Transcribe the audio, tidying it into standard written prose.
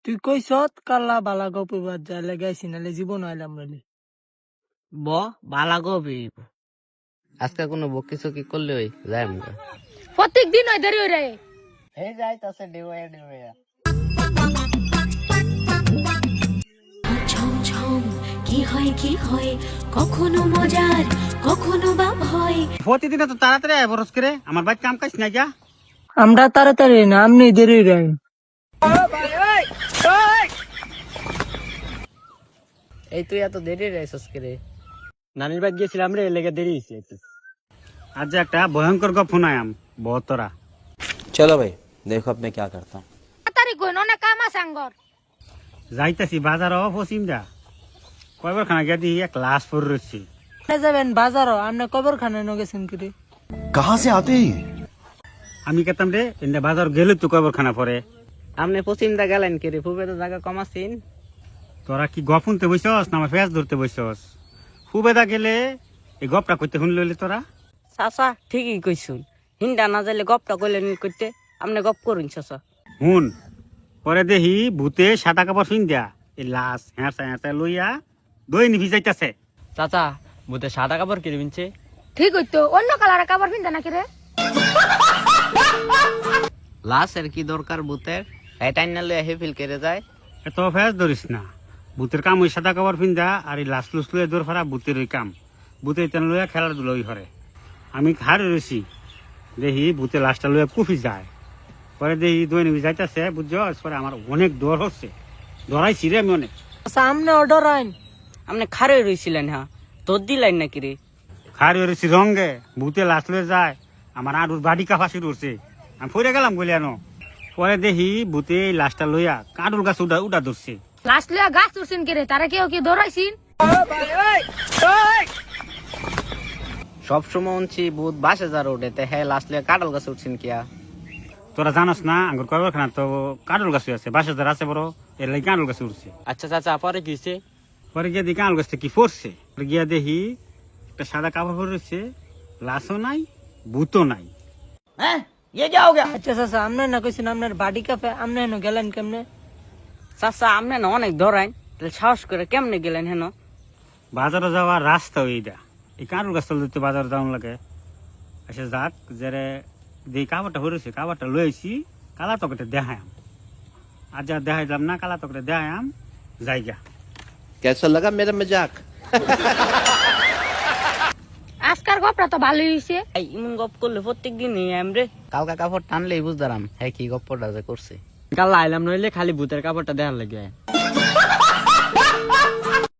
তুই কইছত কাল্লা বালা গপবার যা লাগাইছি নালে জীবন আইলাম নালে ব বালা গবি আজকে কোনো বকি চকি করলে ওই যাই আমরা প্রত্যেক দিন ওই দেরি হই রে এই যাইতাছে ডিওয়া ডিওয়া ঝমঝম কি হয় কখনো মজার কখনো বা ভয়। প্রতিদিন তো তাড়াতাড়ি আয় বরস করে আমার ভাই কাম কাজ নাই যা আমরা তাড়াতাড়ি না আমনি দেরি রে এই তুই এত দেরি রাইছস করে নানির বাড়ি গেছিলাম রে লেগে দেরি হয়েছে একটু আজ একটা ভয়ঙ্কর গপ শোনায়াম বহতরা चलो भाई देखो अब मैं क्या करता हूँ। তাড়াতাড়ি কই না কাম আছে আঙ্গর যাইতাছি বাজার পশ্চিম দা কয়বার খানা গিয়ে দিই এক লাশ পরে রয়েছি যাবেন বাজারও আপনি কবরখানায় ন গেছেন কি রে कहाँ से आते हैं ये? আমি কেতাম রে এনে বাজার গেলে তো কয়বার খানা পরে আপনি পশ্চিম দা গেলেন কি রে ফুবে তো জায়গা কম আছেন তোরা কি গপ শুনতে বসছস না আমার ফেস ধরতে বসছস ফুবেদা গেলে এই গপটা করতে শুন লইলে তোরা চাচা ঠিকই কইছুন হিন্দা না যাইলে গপটা কইলেন করতে আপনি গপ করুন চাচা হুন পরে দেখি ভূতে সাদা কাপড় শুন দিয়া এই লাশ হ্যাঁ হ্যাঁ লইয়া দই নিভি যাইতাছে চাচা বুতে সাদা কাপড় কিনে বিনছে ঠিক হইতো অন্য কালার কাপড় পিনতে নাকি রে লাশের কি দরকার ভূতের এটাই না লইয়া হেফিল করে যায় এত ফেস ধরিস না ভূতের কাম ওই সাদা কাপড় পিন্দা আর এই লাশ লুস লইয়া দৌড় ফেরা ভূতের ওই কাম ভূতে তেন লইয়া খেলাধুলা ওই করে আমি খাড়ে রয়েছি দেখি ভূতে লাশটা লইয়া কুফি যায় পরে দেখি দই নিবি যাইতাছে বুঝছস পরে আমার অনেক দর হচ্ছে ধরাইছি রে আমি অনেক সামনে অর্ডার আইন আপনি খারে রইছিলেন হ্যাঁ তোর দিলেন নাকি রে খাড়ে রয়েছি রঙ্গে ভূতে লাশ লয়ে যায় আমার আরুর বাড়ি কাফাসি উঠছে আমি ফিরে গেলাম গলিয়ানো পরে দেখি ভূতে এই লাশটা লইয়া কাঁডুর গাছ উঠা ধরছে লাস্ট লিয়া গাছ তুলছেন কি রে তারা কেউ কি দৌড়াইছিন সব সময় উনছি ভূত বাসে যা রোডে তে হ্যাঁ লাস্ট লিয়া কাটল গাছ উঠছেন কিয়া তোরা জানাস না আঙ্গুর কয়বার খানা তো কাঁডুর গাছ আছে বাসা যারা আছে বড় এর লাগে কাঁডুর গাছ উঠছে আচ্ছা চাচা পরে কি হইছে পরে গিয়ে দেখি কাঁড়ুর গাছটা কি পড়ছে পরে গিয়া দেখি একটা সাদা কাপড় পরে রয়েছে লাশও নাই ভূতও নাই আচ্ছা চাচা আপনি না কইছেন আপনার বাড়ি কাফে আপনি হেন গেলেন কেমনে চাচা আপনি না অনেক ধরাইন তাহলে সাহস করে কেমনে গেলেন হেন বাজারে যাওয়ার রাস্তা ওইটা এই কাঁড়ুর গাছটা লইতে বাজারে যাওয়ার লাগে এসে যাক যে যে কাপড়টা হরেছে কাপড়টা লইছি কালা তকটা দেখায়াম আর যা দেখাইলাম না কালা তকটা দেখায়াম জায়গা कैसा लगा मेरा मजाक? আজকার গপটা তো ভালোই হইছে এই ইমন গপ করলে প্রত্যেক দিনই আমরে কালকা কাপড় টানলেই বুঝদারাম হ্যাঁ কি গপ্পটা যে করছে কাল আইলাম নইলে খালি ভূতের কাপড়টা দেখার লাগে